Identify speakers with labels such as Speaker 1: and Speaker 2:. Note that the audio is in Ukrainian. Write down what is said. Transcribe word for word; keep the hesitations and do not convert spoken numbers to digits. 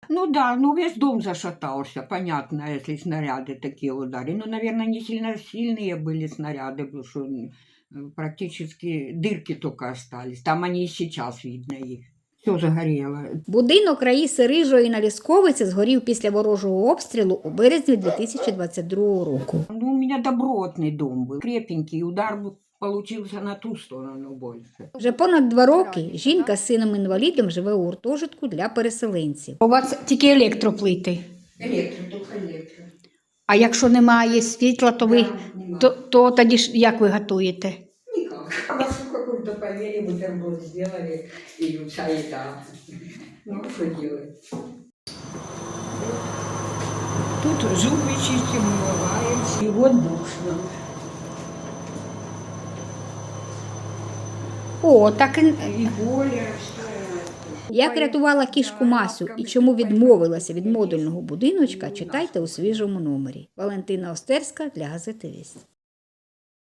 Speaker 1: Ну да, ну весь дом зашатался, понятно, если снаряды такие ударили. Ну, наверное, не сильно сильные были снаряды, потому что м, практически дырки только остались. Там они и сейчас видно их. Все загорело.
Speaker 2: Будинок Раїси Рижої на Лісковиці згорів після ворожого обстрілу у березні дві тисячі двадцять другого року.
Speaker 1: Ну, у меня добротный дом был, крепенький, удар был- получился на ту сторону больше.
Speaker 2: Вже понад два роки жінка з сином-інвалідом живе у гуртожитку для переселенців.
Speaker 3: У вас тільки електроплити.
Speaker 1: Электро, только электро.
Speaker 3: А якщо немає світла, то ви
Speaker 1: Да, нема.
Speaker 3: то, то тоді ж як ви готуєте?
Speaker 1: Никак. Квасу какую-то поели, бутерброд сделали и чай, да. Ну, что делать? Тут зубы чистим, умываемся. И вот душно.
Speaker 3: О, так і-
Speaker 1: И боли что
Speaker 2: Як рятувала кішку Масю і чому відмовилася від модульного будиночка, читайте у свіжому номері. Валентина Остерська для газети «Вість».